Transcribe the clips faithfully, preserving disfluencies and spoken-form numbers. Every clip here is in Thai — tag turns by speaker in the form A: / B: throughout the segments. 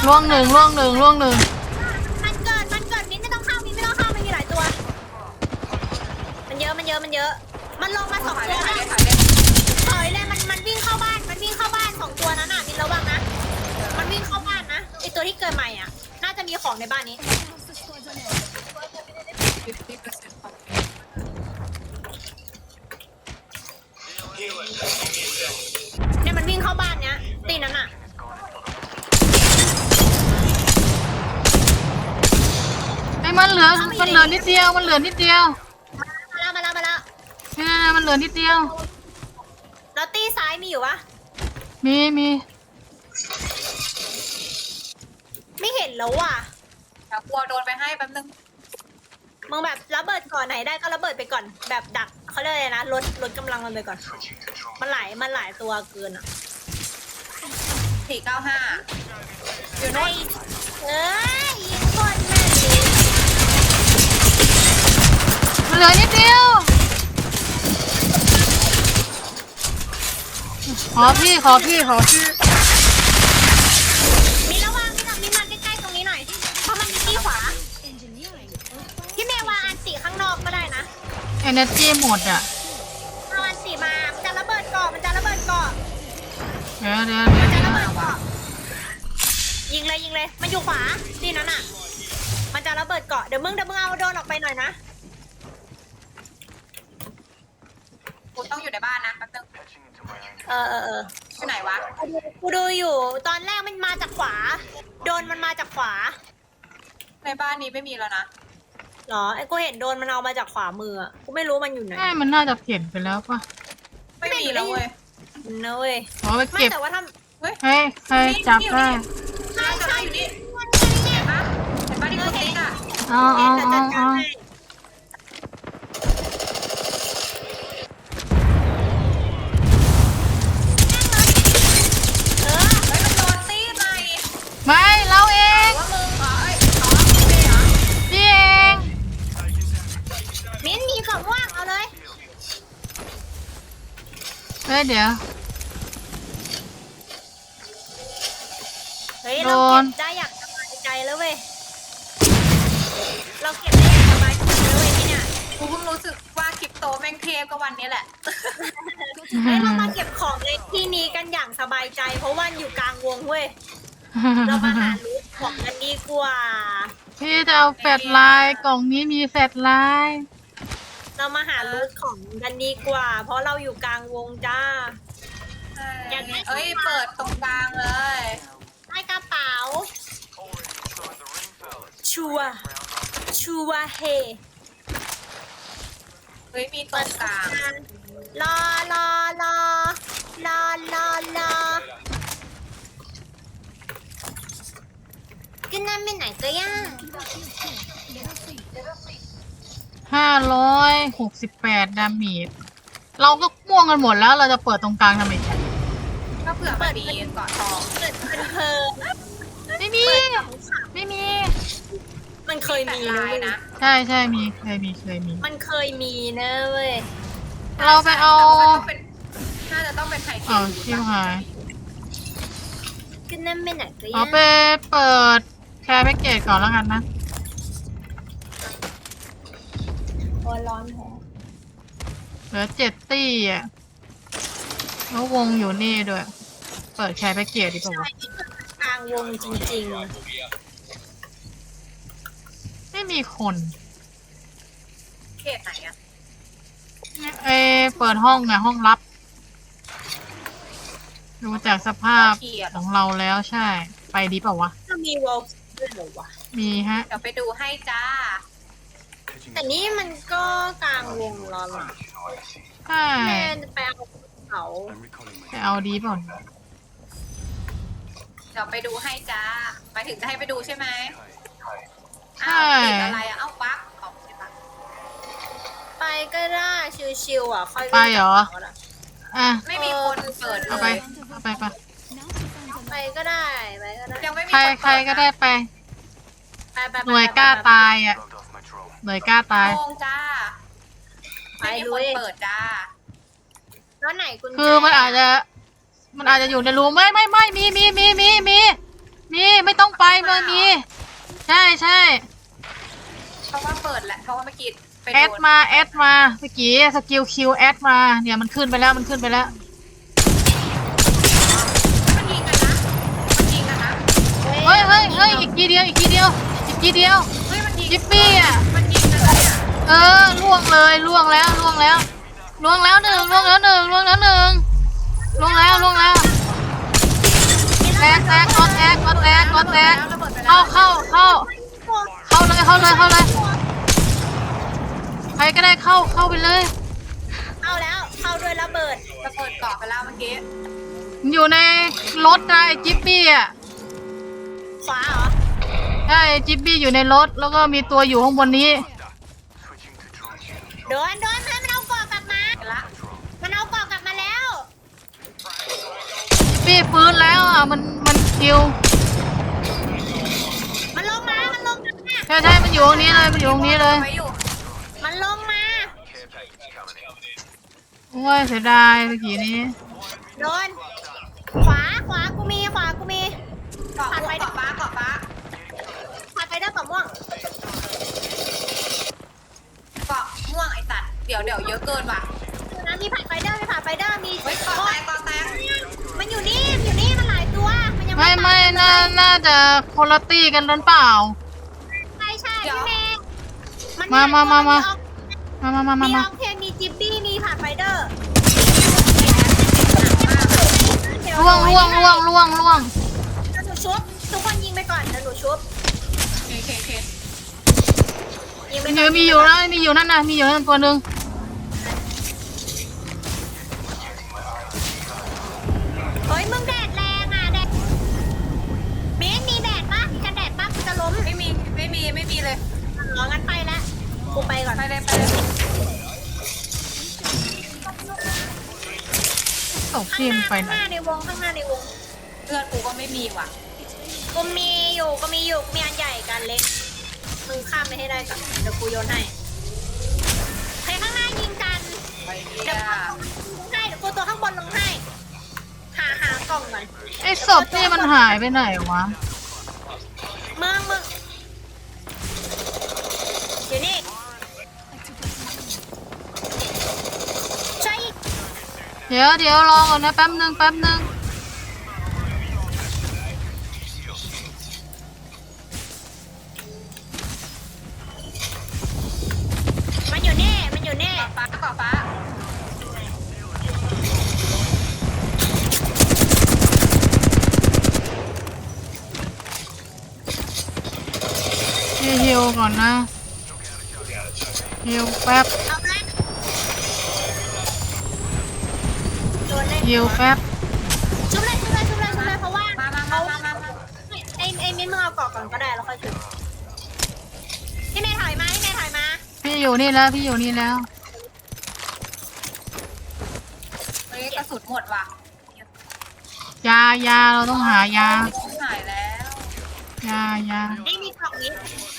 A: ล่วงหนึ่งล่วงหนึ่งล่วงหนึ่ง
B: มันเกิดมันเกิดมิ้นไม่ต้องเข้ามิ้นไม่ต้องเข้ามันมีหลายตัวมันเยอะมันเยอะมันเยอะมันลงมาสองตัวนะถอยเลยมันมันวิ่งเข้าบ้านมันวิ่งเข้าบ้านสองตัวนั้นน่ะมิ้นระวังนะมันวิ่งเข้าบ้านนะไอตัวที่เกิดใหม่อ่ะน่าจะมีของในบ้านนี้เนี่ยมันวิ่งเข้าบ้านเนี้ยตีนั้นอ่ะ
A: ไอ้มันเหลือมันเหลือนิดเดียวมันเหลือนิดเดียว
B: มาแล้วมาแล้วมาแล้ว
A: เนี่ยมันเหลือนิดเดียว
B: แล้วตีซ้ายมีอยู่ปะ
A: มีมี
B: ไม่เห็นแล้วว่ะ
C: เดี๋ยวกลัวโดนไปให้แป๊บนึง
B: มึงแบบระเบิดก่อนไหนได้ก็ระเบิดไปก่อนแบบดักเขาเรียกอะไรนะลดลดกำลังมันไปก่อนมันหลายมันหลายตัวเกินอ่ะ
C: สี่เก้าห้า
B: อยู่ในเอ้ยยิงคนแม่ดี
A: มันเหลือนิดเดียวขอพี่ขอพี่ขอพี่
B: มีระวังมีหน่อยมีมาใกล้ๆตรงนี้หน่อยเพราะมันมีที่ขวาพี่เมย์วางอันสีข้างนอกก็ได้นะ
A: เอเนอร์จีหมดอ่ะ
B: เอาอันสีมามันจะระเบิดเกาะมันจะระเบิดเกาะ
A: เดี๋ยวเดี๋ยวเดี๋ยว
B: มันจะระเบิดเกาะยิงเลยยิงเลยมันอยู่ขวาที่นั้นอ่ะมันจะระเบิดเกาะเดี๋ยวมึงเดี๋ยวมึงเอาโดนออกไปหน่อยนะ
C: กูต้องอยู่ในบ้านนะแป๊บนึง
B: เออเออเออ
C: อยู่ไหนวะ
B: กูดูอยู่ตอนแรกมันมาจากขวาโดนมันมาจากขวา
C: ในบ้านนี้ไม่มีแล้วนะ
B: หรอไอ้กูเห็นโดนมันเอามาจากขวามืออ่ะกูไม่รู้มันอยู่ไหน
A: ใช่มันน่าจะเปลี่ยนไปแล้วป่ะ
C: ไม่มีแล้วเว้ย
B: เนอะเว้ย
A: ขอไปเก็บ
B: แต่ว่าถ้า
C: เฮ้ย
A: เฮ้ยใครจับได้
B: ใช่ใช่อยู่นี่
C: เห็นปะเห็นปะที่คุณติ๊กอ่ะ
A: อ๋ออ๋ออ๋ออ๋อไม่เราเอง
C: ว่ามึงเหรอเอ้ยอ๋อพี่เหรอ
A: พี่เอง
B: มิ้นมีของว่างเอาเลย
A: เฮ้ยเดี๋ยว
B: เฮ้ยเราเก็บได้อย่างสบายใจแล้วเว้ยเราเก็บได้อย่างสบายใจแล้วเว้ยนี่เนี่ย
C: กูเพิ่งรู้สึกว่าคริปโตแม่งเทพก็วันนี้แหละ
B: เฮ้ยเรามาเก็บของในที่นี้กันอย่างสบายใจเพราะว่าอยู่กลางวงเว้ยเรามาหารูทของกันดีกว่า
A: พี่จะเอาแฟลชไลน์กล่องนี้มีแฟลชไลน์
B: เรามาหารูทของกันดีกว่าเพราะเราอยู่กลางวงจ้า
C: อย่างนี้เอ้ยเปิดตรงกลางเลย
B: ได้กระเป๋าชัวชัวเฮ
C: เฮ้ยมีตรงกลาง
B: รอรอรอรอรอรอกินน้ำไปไหนก็ย่าง
A: ห้าร้อยหกสิบแปดดาเมจเราก็ม่วงกันหมดแล้วเราจะเปิดตรงกลางทำไม
C: ก็เผื่อมันมีเกาะทอง
B: เปิดเป็นเพลิง
A: ไม่มีไม่มี
B: มันเคยมี
C: นะ
A: ใช่ใช่มีเคยมีเคยมี
B: มันเคยมีนะเว้ย
A: เราไปเอา
C: น่าจะต้องเป็นไข่เค็ม
A: ชิวหาย
B: กินน้ำไปไหนก็ย่าง
A: เอาไปเปิดแชร์แพ็กเกจก่อนแล้วกันนะ
B: โอ้ร้อนแท้
A: เหลือเจ็ดตี้อ่ะแล้ววงอยู่นี่ด้วยเปิดแชร์แพ็กเกจดีกว่
B: ากลางวงจริง
A: ๆไม่มีคน
C: เขตไหนอะ
A: เอเปิดห้องไงห้องลับดูจากสภาพของเราแล้วใช่ไปดีเปล่าวะ
B: จะมีวอลด้วยเหรอวะ
A: มีฮะ
C: เดี๋ยวไปดูให้จ้า
B: แต่นี่มันก็กลางวงแล้วล่ะ
A: ใช่
B: แม่ไปเอาเขา
A: ไปเอาดีเปล่า
C: เดี๋ยวไปดูให้จ้าหมายถึงจะให้ไปดูใช่ไหม
A: ใช่
C: อะไรอะเอ้าปั๊กออกใช่ปะ
B: ไปก็ได้ชิวๆอ่ะค่อย
A: ไปเหรออ่ะ
C: ไม่มีคนเปิด
A: เอาไปเอาไปไป
B: ไปก็ได้ไปก็ได้
C: ยังไม่มี
A: ใครใครก็ได้ไปหน่วยกล้าตายอ่ะหน่วยกล้าตาย
C: โงจ้าไม่มีคนเปิดจ้า
B: แล้วไหนคุณ
A: คือมันอาจจะมันอาจจะอยู่ในรูไม่ไม่ไม่มีมีมีมีมีนี่ไม่ต้องไปมันมีใช่ใช่
C: เพราะว่าเปิดแหละเพราะว่าเมื่อกี้ไป
A: แอ
C: โด
A: ด
C: น
A: มาแอดมาเมื่อกี้สกิลคิวแอดมาเนี่ยมันขึ้นไปแล้วมันขึ้นไปแล้ว
C: มันยิงกันนะมันยิงกันนะ
A: เฮ้ยเฮ้ยเฮ้ยอีกทีเดียวอีกทีเดียวอีกทีเดียว
C: เฮ้ยมันยิง
A: จิปปี้อ่ะ
C: มันยิงกันนะเนี่ย
A: เออล่วงเลยล่วงแล้วล่วงแล้วล่วงแล้วหนึ่งล่วงแล้วหนึ่งล่วงแล้วหนึ่งล่วงแล้วล่วงแล้วแตกแตกกดแตกกดแตกกดแตก
C: ระเบิดไปแล้ว
A: เข้าเข้าเข้าเข้าเลยเข้าเลยเข้าเลยใครก็ได้เข้าเข้าไปเลย
B: เอาแล้วเข้าด้วยระเบิด
C: ระเบิดเกาะไปแล้วเมื่อกี้
A: อยู่ในรถนะไอ้จิปปี้อ่ะ
B: ขวาเหรอ
A: ใช่จิปปี้อยู่ในรถแล้วก็มีตัวอยู่ข้างบนนี้
B: โดนโดนให้มันเอาเกาะกลับมา
C: ไปละ
B: มันเอาเกาะกลับมาแล้ว
A: ปี้ฟื้นแล้วอ่ะมันมันคิว
B: มันลงมามันลงมา
A: ใช่ใช่มันอยู่ตรงนี้เลยมันอยู่ตรงนี้เลย
C: ไว้อยู่
B: มันลงมา
A: โอ้ยเสียดายเมื่อกี้นี้
B: โดนขวาขวากูมีขวากูมี
C: เกาะม่วงเกาะฟ้าเกาะฟ้า
B: ผัดไปด้วยกับม่วง
C: เกาะม่วงไอ้สัตว์เดี๋ยวเดี๋ยวเยอะเกินว่ะ
B: นะมีผัดไฟเดอร์มีผัดไฟเดอร์มี
C: เฮ้ยเกาะแตกเกาะแตก
B: มันอยู่นี่มันอยู่นี่มันหลายตัวมันยัง
A: ไม่
B: ไม่
A: ไม่
B: ตาย
A: น่าน่าจะคนละตี้กันนั้นเปล่า
B: ใช่ใช่พี่เมย์น
A: มามามามา
B: ออก
A: มามามามา
B: มีอ
A: มา
B: อกเทนมีจิบบี้มีผัดไฟเดอร์
A: ล่วงล่วงล่วงล่วงล่วง
B: เดี๋ยวหนูชุบทุกคนยิงไปก่อนเดี๋ยวหนูชุบ
C: เคเคเค
B: ยิงไป
A: มี
B: ก่อน
A: มีอยู่นะมีอยู่นั่นนะมีอยู่นั่นตัวหนึ่ง
B: เฮ้ยมึงแดดแรงอ่ะแดดเมย์มีแดดปะมีกันแดดปะกูจะล้ม
C: ไม่มีไม่มีไม่มีเลย
B: อ๋องั้นไปแล้วกูไปก่อน
C: ไปเลยไปเลย
A: ตก
B: ข้าง
A: ทีม
B: หน้า
A: ไป
B: ข้าง
A: ไหน
B: หน้าในวงข้างหน้าในวง
C: เลือดกูก็ไม่มีว่ะ
B: กูมีอยู่กูมีอยู่มีอันใหญ่กันเล็กมึงข้ามไปให้ได้ก่อนเดี๋ยวกูโยนให้ใครข้างหน้ายิงกัน
C: ไปเดี
B: เดี๋ย
C: ยว
B: กูให้เดี๋ยวกูตัวข้างบนลงให้หาหากล่องก่อน
A: ไอ้ศพนี่มันหายไปไหนวะ
B: มึงมึงอยู่นี่ใช่
A: เดี๋ยวเดี๋ยวรอก่อนนะแป๊บนึงแป๊บนึง
B: มันอยู่นี่มันอยู่นี่
C: เกาะฟ้าเกาะฟ้า
A: พี่ฮิวก่อนนะฮิวแป๊บ
B: เอาไหมโดนเลย
A: ฮิวแป๊บ
B: ชุบเลยชุบเลยชุบเลยชุบเลยเพราะว่า
C: มามามามามามา
B: ไอ้ไอ้มิ้นมึงเอาเกาะก่อนก็ได้แล้วค่อยชุบพี่เมย์ถอยมาพี่เมย์ถอยมา
A: พี่อยู่นี่แล้วพี่อยู่นี่แล้ว
C: เฮ้ยกระสุนหมดว่ะ
A: ยายาเราต้องหายา
C: หายแล้ว
A: ยายา
B: นี่มีกล่องนี้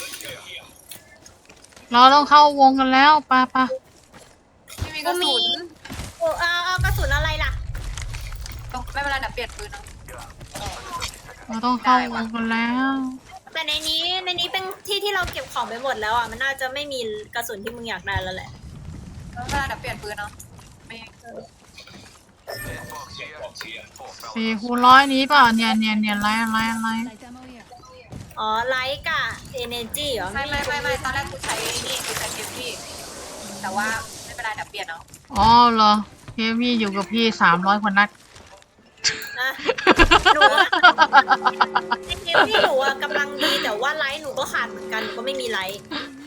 A: เราต้องเข้าวงกันแล้วปะปะ
C: ไม่มีกระสุน
B: โอ้เอาเอากระสุนอะไรล่ะ
C: ไม่เป็นไรเดี๋ยวเปลี่ยนปืนเอา
A: เราต้องเข้าวงกันแล้ว
B: แต่ในนี้ในนี้เป็นที่ที่เราเก็บของไปหมดแล้วอ่ะมันน่าจะไม่มีกระสุนที่มึงอยากได้แล้วแหละ
C: ไม่เป็นไรเดี๋ยวเปลี่ยนปืนเอาไม่
A: สี่คูณร้อยนี้เปล่าเนี่ยเนี่ยเนี่ยไล่ไล่ไล่
B: อ๋อไลท์กับเอเนจีเหรอ
C: ไม่ไม่ไม่ไม่ตอนแรกกูใช้นี่กูใช้เกมพี่แต่ว่าไม่เป็นไรเดี๋ยวเปลี่ยนเอา
A: อ๋อเหรอเฮฟวี่อยู่กับพี่สามร้อยกว่านัด
B: นะหนูอะในเกมที่หนูอะกำลังดีแต่ว่าไลท์หนูก็ขาดเหมือนกันหนูก็ไม่มีไลท์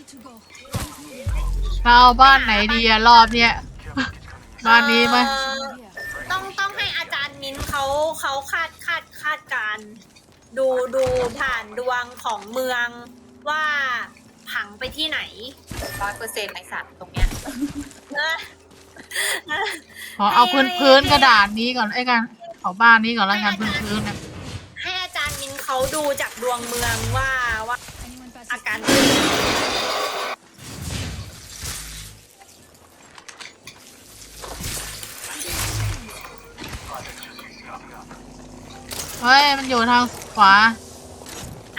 A: เราเอาบ้านไหนดีอะรอบเนี้ยบ้านนี้ไหม
B: เอ่อต้องต้องให้อาจารย์มิ้นเขาเขาคาดคาดคาดการณ์ดูดูผ่านดวงของเมืองว่าผังไปที่ไหน
C: ร้อยเปอร์เซ็นต์ไอสัตว์ตรงเนี้ย
B: เออเออ
A: ขอเอาพื้นพื้นกระดาษนี้ก่อนไอ้กันขอบ้านนี้ก่อนแล้วกันพื้นพื้นนะ
B: ให้อาจารย์มินเขาดูจากดวงเมืองว่าว่าอาการเป็นยังไง
A: เฮ้ยมันอยู่ทางขวา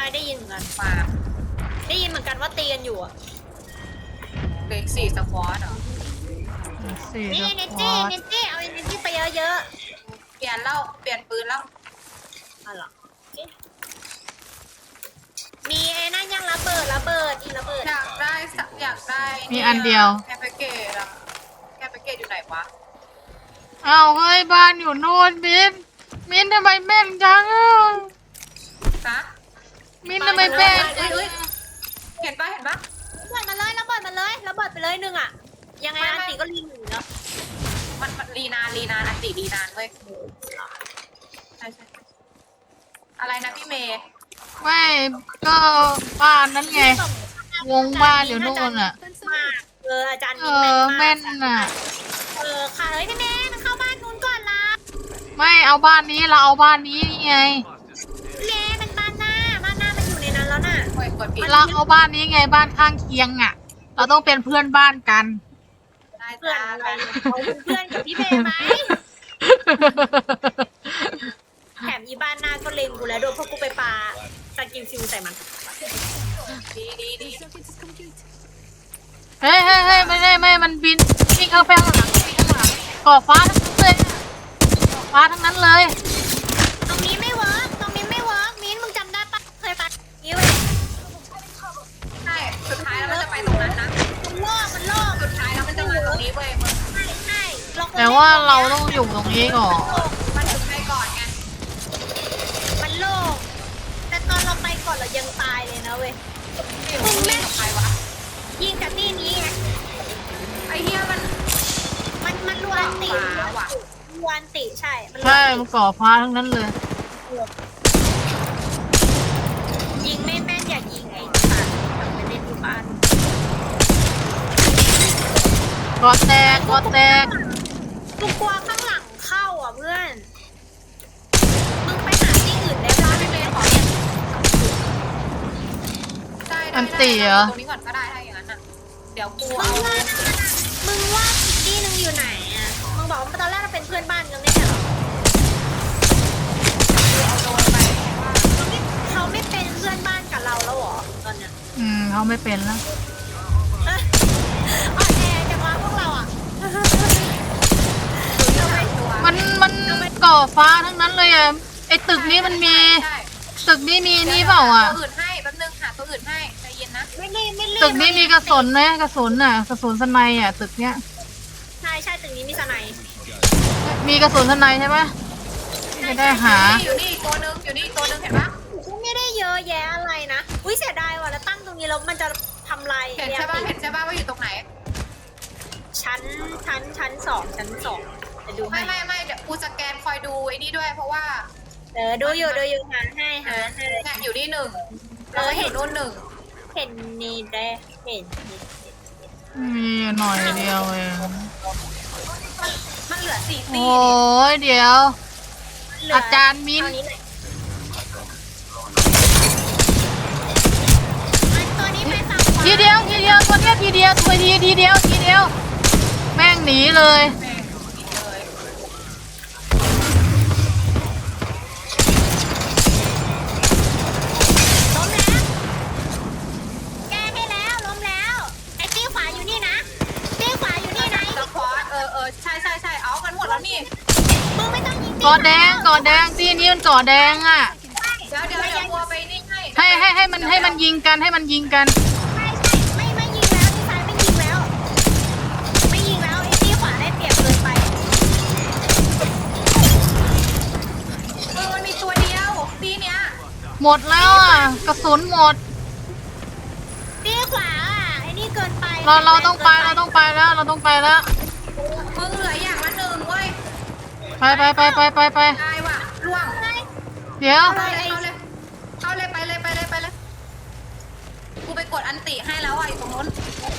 B: ได้ยินเหมือนกัน
C: มา
B: ได้ยินเหมือนกันว่าตีกันอยู่อ่ะ
C: เบรกสี่สควอตเหรอ
A: สี่
B: นี่
A: ส
B: เน
A: ค
B: จี้
A: วอต
B: เนจี้เอาเนจี้ไปเยอะ
C: เปลี่ยนแล้วเปลี่ยนปืนแล้ว
B: ๆอ๋อเหรอมีไอ้นั่นยังระเบิดระเบิดอีระเบิด
C: อยากได้สักอยากได้
A: มีอันเดียว
C: แคปเปเกตอะแคปเปเกตอยู่ไหนวะ
A: อ้าวเฮ้ยบ้านอยู่โน่นมินมินทำไมแม่นจังอ่ะ
C: ฮะ
A: มินทำไมแม่น
C: เอ้ยเอ้ยเห็นปะเห็นปะ
B: ระเบิดมาเลยระเบิดมาเลยระเบิดไปเลยหนึ่งอ่ะยังไง
C: ไม่
B: อัน
C: ไม่
B: ตีก็รีหนึ่งเนาะ
C: มันมันรีนานรีนานอันติรีนานเว้ยใช่ใช่อะไรนะพี่เมย์
A: ไม่ก็บ้านนั้นไง วงบ้านอยู่โน่นอ่ะ
B: มากเอออาจารย์
A: เอ
B: มิน
A: อ
B: แม่
A: แม่
B: น
A: น
B: มาก
A: อ่ะ
B: เออค่ะเฮ้ยพี่แม่มันเข้าบ้านนู้นก่อนละ
A: ไม่เอาบ้านนี้เราเอาบ้านนี้นี่ไง
B: พี่แม่มันบ้านหน้าบ้านหน้ามันอยู่ในนั้นแล้วน่ะ
C: โอ้ยกดผิด
A: เราเอาบ้านนี้ไงบ้านข้างเคียงอ่ะ เราต้องเป็นเพื่อนบ้านกัน
C: ได้
B: เพื่อน
C: จ้า
B: อะไรเขาเป็นเพื่อนกับพี่เมย์ไหมแถมอีบ้านหน้าก็เล็งกูแล้วโดนพวกกูไปปาสกิลซิวใส่มัน
C: ดีดีดี
A: เฮ้ยเฮ้ยเฮ้ยไม่ได้ไม่มันบินวิ่งเข้าไปข้างหลังวิ่งข้างหลังก่อฟ้าทั้งนั้นเลยก่อฟ้าทั้งนั้นเลย
B: ตรงนี้ไม่เวิร์กตรงนี้ไม่เวิร์กมิ้นมึงจำได้ปะเคยปะนี้เว้ย
C: ใช่สุดท้ายแล้วมันจะไปตรงนั้นนะ
B: มันโลกมันโลก
C: สุดท้ายแล้วมันจะมาตรงนี้เว้ยมึง
B: ใช่ใช่เรควร
A: แต่ว่าเราต้องอยู่ตรงนี้ก่อน
C: มันถึงไปก่อนไง
B: มันโลกแต่ตอนเราไปก่อนเรายังตายเลยนะเว้ย
C: อยู่ตรงนี้กับใครวะ
B: ยิงจากที่นี้ไง
C: ไอ้เหี้ยมัน
B: มันมันรวนติ
C: ขวาว่ะ
B: รวนติใช่มันรวน
A: ใช่
B: ติ
A: มันก่อฟ้าทั้งนั้นเลย
B: ยิงไม่แม่นอย่ายิงไอ้สัตว์ไม่ได้ที่บ้าน
A: ก่อแตกก่อแตก
B: กูกลัวข้างหลังเข้าอ่ะเพื่อน มึงไปหาที่อื่นได้ปะ
C: พี่เมย์ขอเนี่ยได้ได้ได้ตรงนี้ก่อนก็ได้ถ้าอย่างนั้นอ่ะเดี๋ยวกู
B: มึ
C: เอา
B: งว่ามึงว่าอีกที่หนึงอยู่ไหนอ่ะ มึงบอกว่าตอนแรกเราเป็นเพื่อนบ้านกันไม่ใช่เหรอ
C: เอาโดนไป
B: เขาไม่เขาไม่เป็นเพื่อนบ้านกับเราแล้วเหรอตอนเนี้ย
A: อืมเขาไม่เป็นแล้ว
B: เอ้ยอ่อนแอจังวะพวกเราอ่ะ
A: มันมันก่อฟ้าทั้งนั้นเลยอ่ะไอตึกนี้มันมีตึกนี้มีนี่เปล่าอ่ะ
C: ตัวอื่นให้แป๊บนึงหาตัวอื่นให้ใจเย็นนะ
B: ไม่รีบไม่รีบ
A: ตึกนี้มีกระสุนไหมกระสุนอ่ะกระสุนสไนอ่ะตึกเนี้ย
B: ใช่ใช่ตึกนี้มีสไนด์
A: มีกระสุนสไนใช่ปะไม่ได้หา
C: อยู่นี่ตัวนึงอยู่นี่ตัวนึงเห็นปะ
B: ก็ไม่ได้เยอะแยะอะไรนะอุ้ยเสียดายว่ะแล้วตั้งตรงนี้แล้วมันจะทำลาย
C: เห็นใช่ปะเห็นใช่ปะว่าอยู่ตรงไหน
B: ชั้นชั้นชั้นสองชั้นสองจะดูให้
C: ไม่ไม่ไม่เดี๋ยวกูสแกนคอยดูไอ้นี่ด้วย เพราะว่า
B: เออดูอยู่ดูอยู่หาให้หาให้
C: เนี่ยอยู่นี่หนึ่งแล้วก็เห็นนู่นหนึ่ง
B: เห็นนี่ได้เห็นนี่
A: มีหน่อยเดียวเอง
C: มันเหลือสี่ตี
A: โอ้ยเดี๋ยว
B: เหลื
A: อาจารย์มิ้น
B: เท่าหอยมันตัวนี้ไปฝั่งขวา
A: ทีเดียวทีเดียวตัวเนี้ยทีเดียวตัวทีทีเดียวทีเดียว แม่งหนีเลย
C: แม่งนี่เลย
B: ล้มแล้วแก้ให้แล้วล้มแล้วไอ้ตี้ขวาอยู่นี่นะตี้ขวาอยู่นี่นะ
C: สควอตเออเออใช่ใช่ใช่เอากันหมดแล้วนี่
B: มึงไม่ต้องยิง
A: ก่อแดงก่อแดงที่นี่มันก่อแดงอ่ะ
C: เดี๋ยวเดี๋ยวเดี๋ยวกลัวไปนี่ให้
A: ให้ให้ให้มันให้มันยิงกันให้มันยิงกัน
B: ใช่ใช่ไม่ไม่ยิงแล้วที่ซ้ายไม่ยิงแล้ว ไม่ยิงแล้วไอ้ตี้ขวาได้เปรียบเกินไป
C: เออมันมีตัวเดียวตีเนี้ย
A: หมดแล้วอ่ะกระสุนหมด
B: ตี้ขวาอ่ะไอ้นี่เกินไป
A: เราเราต้องไปเราต้องไปแล้วเราต้องไปแล้ว
C: มึงเหลืออย่างละหนึ่งเว้ย
A: ไปไปไปไปไปไป
C: ได้ว่ะล่วง
A: เดี๋ยว
C: เข้าเลยเข้าเลยเข้าเลยไปเลยไปเลยไปเลยกูไปกดอันติให้แล้วอ่ะอยู่ตรงนู้น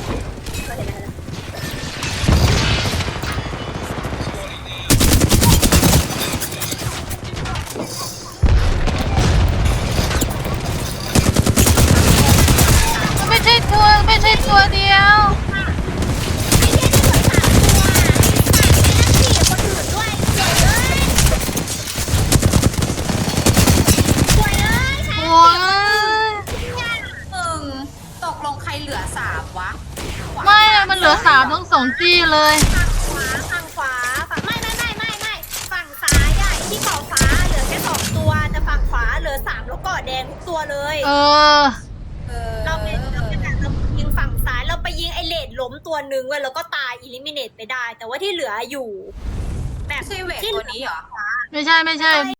A: ไม่ใช่ตัวไม่ใช่ตัวเดียว โอ้ยเหลือสามทั้งสองที่เลย
B: ฝั่งขวาฝั่งขวาฝั่งไม่ไม่ไม่ไม่ไม่ฝั่งซ้ายอ่ะที่เกาะฟ้าเหลือแค่สองตัวแต่ฝั่งขวาเหลือสามแล้วเกาะแดงทุกตัวเลย
A: เออ
C: เออ
B: เราไปเราไปแบบเรายิงฝั่งซ้ายเราไปยิงไอเลดล้มตัวหนึ่งเว้ยแล้วก็ตายอิลิมิเนตไปได้ แต่ว่าที่เหลืออยู่ แบบ
C: ไม่ใช่เวทตัวนี้เหรอ
A: ไม่ใช่ไม่ใช่